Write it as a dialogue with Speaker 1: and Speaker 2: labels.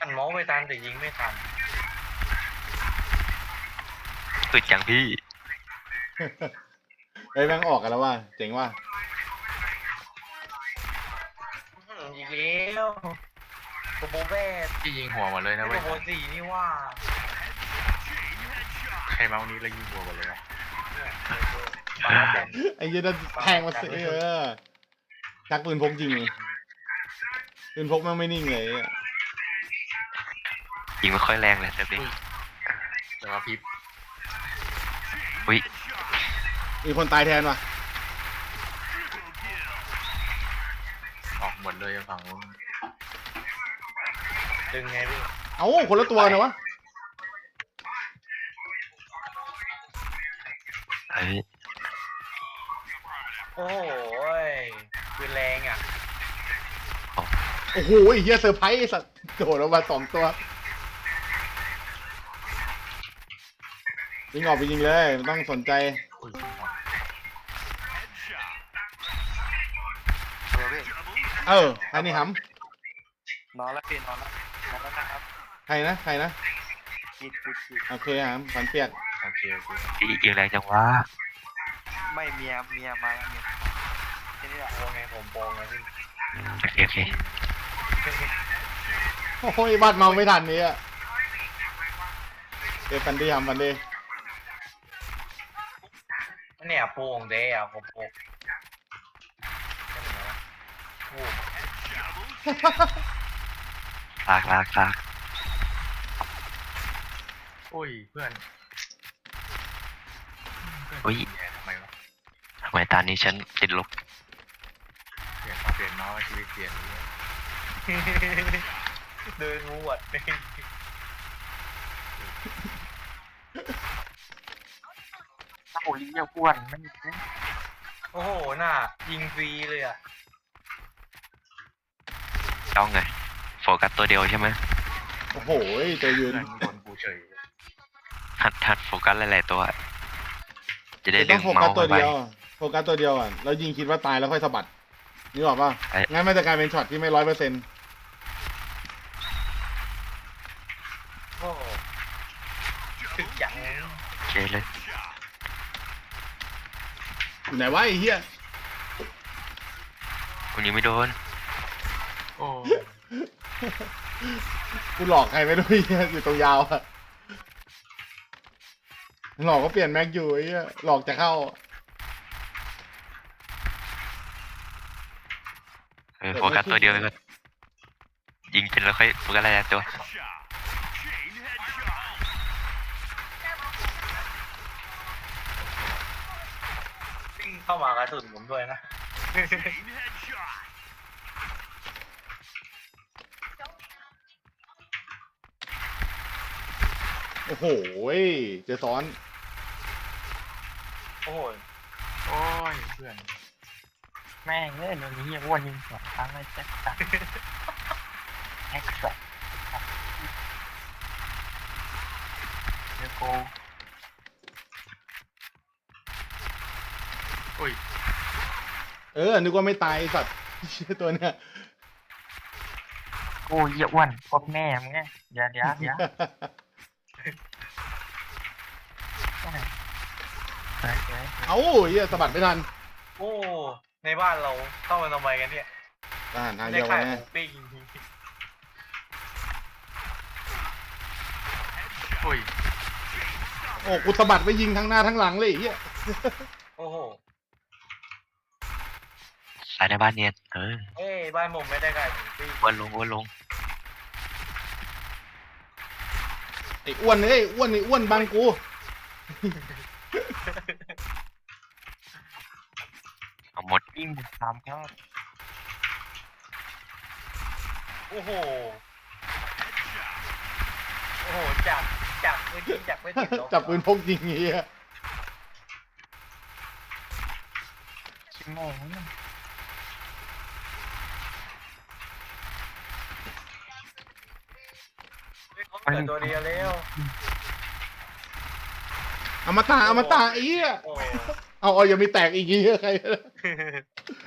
Speaker 1: เมาส์ไม่ทันแต่ยิงไม่ทัน
Speaker 2: สุดจังพี่
Speaker 3: เฮ้ยแม่งออกกันแล้วว่ะเจ๋งว่ะ
Speaker 1: อีกแล้วโกโบเบ้
Speaker 4: ที่ยิงหัวหมดเลยนะ
Speaker 1: โก
Speaker 4: เว้ย
Speaker 1: โบสี่นี่ว่า
Speaker 4: ใครเมาส์นี้แล้วยิงหัวหมดเลยนะ
Speaker 1: บาร์เดน
Speaker 3: ไอ้เหี้ยนั่นแทงมาสิชักปืนพกยิงปืนพกแม่งไม่นิ่งเลย
Speaker 2: ยิงไม่ค่อยแรงเลยเซฟดิ
Speaker 4: แต่ว่าพิบ
Speaker 2: อุ้ย
Speaker 3: มีคนตายแทนว่ะ
Speaker 4: ออกหมดเลยฝั่งนู้น
Speaker 1: ดึงไงพี่
Speaker 3: เอ้าคนละตัวนะวะ
Speaker 2: เฮ้ย
Speaker 1: โอ้โหปืนแรงอ่ะ
Speaker 3: โอ้โหไอ้เหี้ยเซอร์ไพรส์ไอ้สัตว์โดดออกมา2 ตัวยิงออกไปยิงเลยไม่ต้องสนใจ
Speaker 4: อุ้ย
Speaker 3: ใครนี่ห
Speaker 1: นอนแล้วพี่นอนแล้วนะครับ
Speaker 3: ำใครนะ
Speaker 1: กิด
Speaker 3: โอเคหำฝันเปียก
Speaker 4: โอเคโอเค
Speaker 2: ยิงแรงจังวะ
Speaker 1: ไม่เมียมาแล้วเมียที่นี่แหละโปงไงผมโปงไงพี่
Speaker 2: โอเคโอเค
Speaker 3: โอ้ยบัดเมาไม่ทันนี้อะเดี๋ยวฟันดีหำฟันดี
Speaker 1: เนี่ยโปงเด้อะผมโปงโอ้
Speaker 2: ลาก
Speaker 4: อุ้ยเพื่อน
Speaker 2: อุ้ย
Speaker 4: แย่ทำไมวะ
Speaker 2: ทำไมตอนนี้ฉันติดลบ
Speaker 4: เปลี่ยนเมาส์ชีวิตเปลี่ยนเลย
Speaker 1: เดินงูหวด
Speaker 2: โอ้ยเยี่ยอ้วนไม่
Speaker 1: โอ้โหน่ะยิงฟรีเลยอ่ะ
Speaker 2: จ้องไงโฟกัสตัวเดียวใช่ไหม
Speaker 3: โอ้โหตัวยื
Speaker 4: เพื่อน นโดนกูเฉย
Speaker 2: หัดโฟกัสหลายๆตัว จะได้
Speaker 3: ต้
Speaker 2: ดึ
Speaker 3: อง
Speaker 2: ง
Speaker 3: โฟกั
Speaker 2: เมา
Speaker 3: ส
Speaker 2: ส์
Speaker 3: ตัว
Speaker 2: ไป
Speaker 3: เดียวโฟกัสตัวเดียวอ่ะแล้วยิงคิดว่าตายแล้วค่อยสะบัดนี่บอกว่า
Speaker 2: ไอ้
Speaker 3: งั้นมันจะกลายเป็นช็อตที่ไม่100%
Speaker 1: โอ้โหถึกจัง
Speaker 2: โอเคเลย
Speaker 3: อยู่ไหนวะไอ้เหี้ย
Speaker 2: คุณยิงไม่โดน
Speaker 4: โอ้
Speaker 3: กูหลอกใครไม่รู้ไอ้เหี้ยอยู่ตรงยาวอะหลอกก็เปลี่ยนแม็กอยู่ไอ้เหี้ยหลอกจะเข้า
Speaker 2: โฟกัสตัวเดียวไปก่อนยิงจนแล้วค่อยโฟกัสหลายๆตัว
Speaker 1: วิ่งเข้ามากระสุนผมด้วยนะ
Speaker 3: โอ้โหเจอซ้อน
Speaker 1: โอ้โห
Speaker 4: โอ้ยเพื่อน
Speaker 5: แม่งเลยเดี๋ยวนี้อ้วนยิง2 ครั้งเลยแจ็คสันแฮกสันเดี๋ยวกู
Speaker 4: อุ้ย
Speaker 3: นึกว่าไม่ตายไอ้สัตว์เชี่ยตัวเนี้ย
Speaker 5: กูเยี่ยอ้วนพบแม่มึงไงเดี๋ยวไป
Speaker 3: เอ้าเหี้ยสะบัดไม่ทัน
Speaker 1: โอ้ ในบ้านเราเข้ามาทำไมกันเนี่ย
Speaker 3: ทหารทาง
Speaker 1: ได้
Speaker 3: เดียวกั
Speaker 1: ขาน ยห
Speaker 3: แน่
Speaker 1: มูปิ้ง
Speaker 4: อุ้ย
Speaker 3: โอ้กูสะบัดไปยิงทั้งหน้าทั้งหลังเลยไอ้เหี้ย
Speaker 1: โอ้โห
Speaker 2: สายในบ้านเนียน
Speaker 1: เอ้ยบ้านผมไม่ได้ขายหมูปิ้ง
Speaker 2: วนลง
Speaker 3: ไอ้อ้วนอ้วนบังกู
Speaker 2: เอาหมด
Speaker 5: ยิง3 ครั้ง
Speaker 1: โอ้โห โอ้โห จับไม่ยิงจับไม่ติดลบ
Speaker 3: จับปืนพกยิงไอ้เหี้ย
Speaker 5: ชิมแม่งนี่
Speaker 1: เขาเหลือตัวเดียวแล้ว
Speaker 3: อมตะไอ้เหี้ย
Speaker 1: โอ้
Speaker 3: เอายังมีแตกอีกไอ้เหี้ยใคร